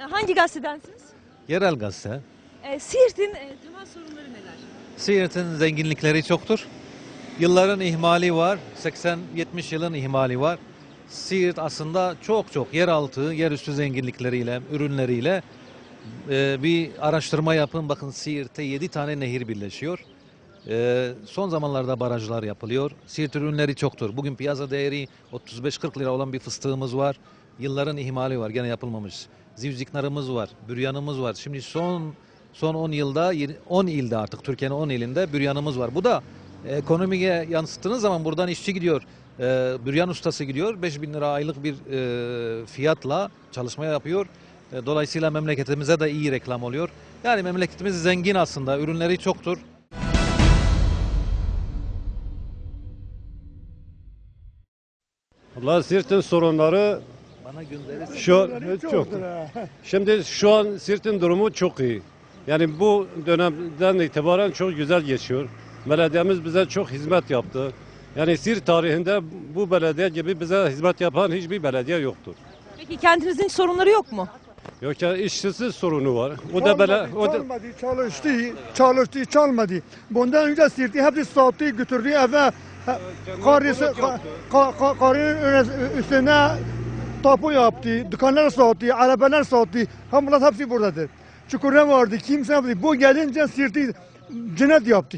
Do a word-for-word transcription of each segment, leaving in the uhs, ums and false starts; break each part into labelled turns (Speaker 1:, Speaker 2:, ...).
Speaker 1: Hangi gazetedensiniz?
Speaker 2: Yerel gazete.
Speaker 1: E, Siirt'in e, temel sorunları neler?
Speaker 2: Siirt'in zenginlikleri çoktur. Yılların ihmali var. seksen yetmiş yılın ihmali var. Siirt aslında çok çok yeraltı, yerüstü zenginlikleriyle, ürünleriyle e, bir araştırma yapın. Bakın Siirt'te yedi tane nehir birleşiyor. E, son zamanlarda barajlar yapılıyor. Siirt ürünleri çoktur. Bugün piyasa değeri otuz beş kırk lira olan bir fıstığımız var. Yılların ihmali var. Gene yapılmamış. Zivziknarımız var. Büryanımız var. Şimdi son son on yılda on ilde artık Türkiye'nin on ilinde büryanımız var. Bu da ekonomiye yansıttığınız zaman buradan işçi gidiyor. E, büryan ustası gidiyor. beş bin lira aylık bir e, fiyatla çalışma yapıyor. E, dolayısıyla memleketimize de iyi reklam oluyor. Yani memleketimiz zengin aslında. Ürünleri çoktur.
Speaker 3: Allah Siirt'in sorunları
Speaker 2: Bana gönderirsin.
Speaker 3: şu an çok. Şimdi şu an Siirt'in durumu çok iyi. Yani bu dönemden itibaren çok güzel geçiyor. Belediyemiz bize çok hizmet yaptı. Yani Siirt tarihinde bu belediye gibi bize hizmet yapan hiçbir belediye yoktur.
Speaker 1: Peki kentinizin sorunları yok mu?
Speaker 3: Yoksa işsizlik sorunu var. O da bele, o da
Speaker 4: Çalmadı, çalıştı, çalıştı, çalmadı. Bundan önce Siirt'i hepsi sattı, götürdü eve. Karısı, ka- ka- ka- karının üstüne tapu yaptı, dükkanlar sattı, arabalar sattı. Hem bunlar hepsi buradadır. Çukurda vardı, kimse yaptı. Bu gelince Siirt'i cennet yaptı.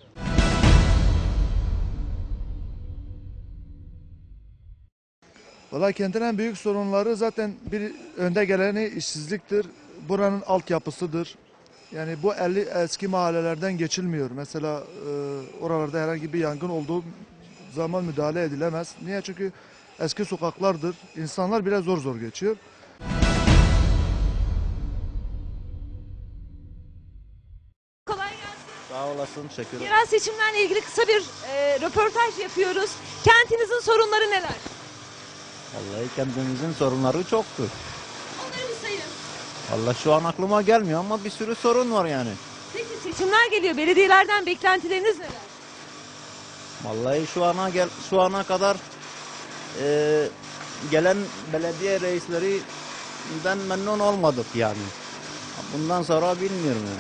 Speaker 5: Valla kentin en büyük sorunları zaten bir önde geleni işsizliktir. Buranın altyapısıdır. Yani bu elli eski mahallelerden geçilmiyor. Mesela e, oralarda herhangi bir yangın olduğu zaman müdahale edilemez. Niye? Çünkü eski sokaklardır. İnsanlar bile zor zor geçiyor.
Speaker 1: Kolay gelsin.
Speaker 6: Sağ olasın, teşekkür ederim.
Speaker 1: Yerel seçimlerle ilgili kısa bir e, röportaj yapıyoruz. Kentinizin sorunları neler?
Speaker 6: Vallahi kendimizin sorunları çoktur.
Speaker 1: Onları bir sayın.
Speaker 6: Vallahi şu an aklıma gelmiyor ama bir sürü sorun var yani.
Speaker 1: Peki seçimler geliyor. Belediyelerden beklentileriniz neler?
Speaker 6: Vallahi şu ana gel şu ana kadar e, gelen belediye reislerinden memnun olmadık yani. Bundan sonra bilmiyorum yani.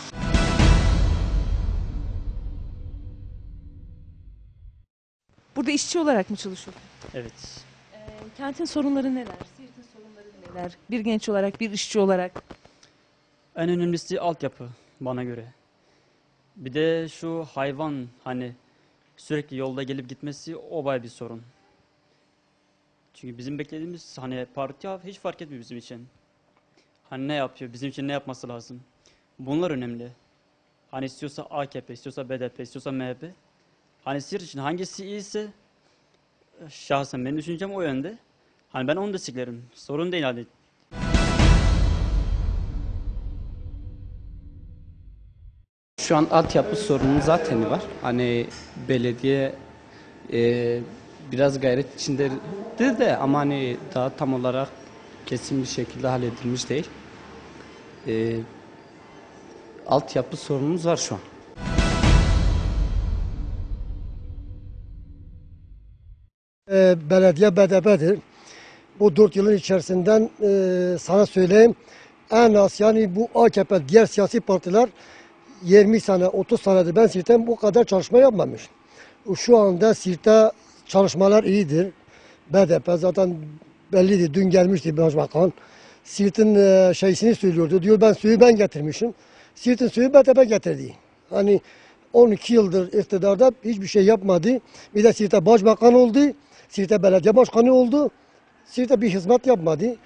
Speaker 1: Burada işçi olarak mı çalışıyorsunuz?
Speaker 7: Evet.
Speaker 1: E, kentin sorunları neler? Siirt'in sorunları neler? Bir genç olarak, bir işçi olarak.
Speaker 7: En önemlisi altyapı bana göre. Bir de şu hayvan hani sürekli yolda gelip gitmesi o bayağı bir sorun. Çünkü bizim beklediğimiz hani parti hiç fark etmiyor bizim için. Hani ne yapıyor, bizim için ne yapması lazım. Bunlar önemli. Hani istiyorsa A K P, istiyorsa B D P, istiyorsa M H P. Hani Siirt için hangisi iyiyse şahsen benim düşüncem o yönde. Hani ben onu desteklerim. Sorun değil hani.
Speaker 8: Şu an altyapı sorunu zaten var. Hani belediye e, biraz gayret içindedir de ama hani daha tam olarak kesin bir şekilde halledilmiş değil. E, altyapı sorunumuz var şu an.
Speaker 9: E, belediye B D P'dir. Bu dört yılın içerisinden e, sana söyleyeyim en az yani bu A K P diğer siyasi partiler yirmi sene otuz senedir ben Siirt'ten bu kadar çalışma yapmamış. Şu anda Siirt'te çalışmalar iyidir. B D P zaten belliydi. Dün gelmişti Başbakan. Siirt'in e, şeysini söylüyordu. Diyor ben suyu ben getirmişim. Siirt'in suyu B D P getirdi. Hani on iki yıldır iktidarda hiçbir şey yapmadı. Bir de Siirt'te Başbakan oldu. Siirt'te belediye başkanı oldu. Siirt'te bir hizmet yapmadı.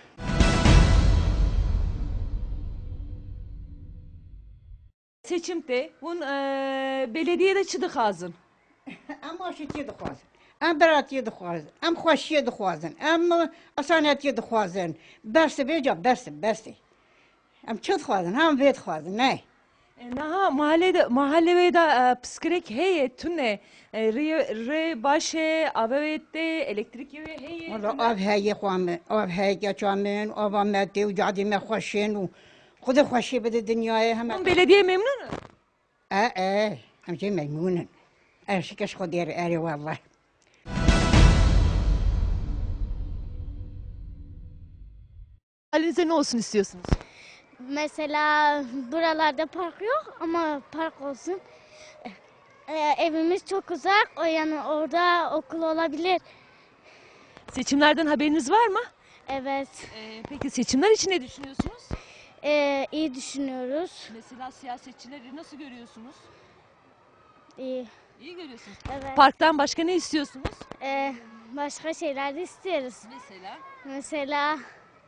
Speaker 1: Seçimde bun e, belediyede çıdık ağzın.
Speaker 10: Em aşitiye dixwazin, em beratiye dixwazin, em xweşiye dixwazin, em esanetiye dixwazin. Berse bêca berse berse. Em çi dixwazin, hem vê dixwazin, ne?
Speaker 1: Naha mahallede mahallede de psikrek heye tune re re başe avette elektrik yeve heye.
Speaker 10: Valla av heye xwamin, av heye geçamin, av medde u cadi me xweşin u xuda xweşiye bide dünyaya hem.
Speaker 1: Bun belediye memnun mu?
Speaker 10: E e, em jê memnûnin. Er şikeş xwe dêr erê vallahi.
Speaker 1: Mahallenizde ne olsun istiyorsunuz?
Speaker 11: Mesela buralarda park yok ama park olsun. Ee, evimiz çok uzak, o yani orada okul olabilir.
Speaker 1: Seçimlerden haberiniz var mı?
Speaker 11: Evet,
Speaker 1: Ee, peki seçimler için ne düşünüyorsunuz?
Speaker 11: ee, iyi düşünüyoruz.
Speaker 1: Mesela siyasetçileri nasıl görüyorsunuz?
Speaker 11: İyi,
Speaker 1: İyi görüyorsunuz.
Speaker 11: evet.
Speaker 1: Parktan başka ne istiyorsunuz?
Speaker 11: Ee, başka şeyler de istiyoruz.
Speaker 1: Mesela?
Speaker 11: Mesela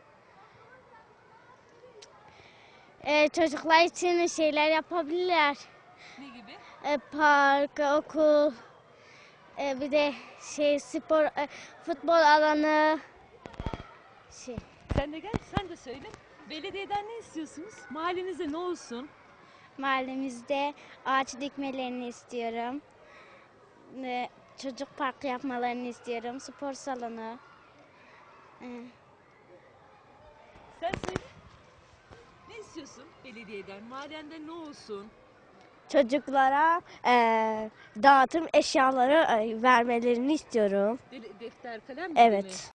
Speaker 11: ee, çocuklar için şeyler yapabilirler.
Speaker 1: Ne gibi?
Speaker 11: Ee, park, okul, ee, bir de şey spor, ee, futbol alanı. Şey.
Speaker 1: Sen de gel, sen de söyle. Belediyeden ne istiyorsunuz? Mahallenizde ne olsun?
Speaker 11: Mahallemizde ağaç dikmelerini istiyorum. Ee, çocuk parkı yapmalarını istiyorum. Spor salonu. Ee,
Speaker 1: Sen söyle. Ne istiyorsun belediyeden? Mahallende ne olsun?
Speaker 11: Çocuklara eee, dağıtım eşyaları eee, vermelerini istiyorum.
Speaker 1: De- defter, kalem gibi mi?
Speaker 11: Evet.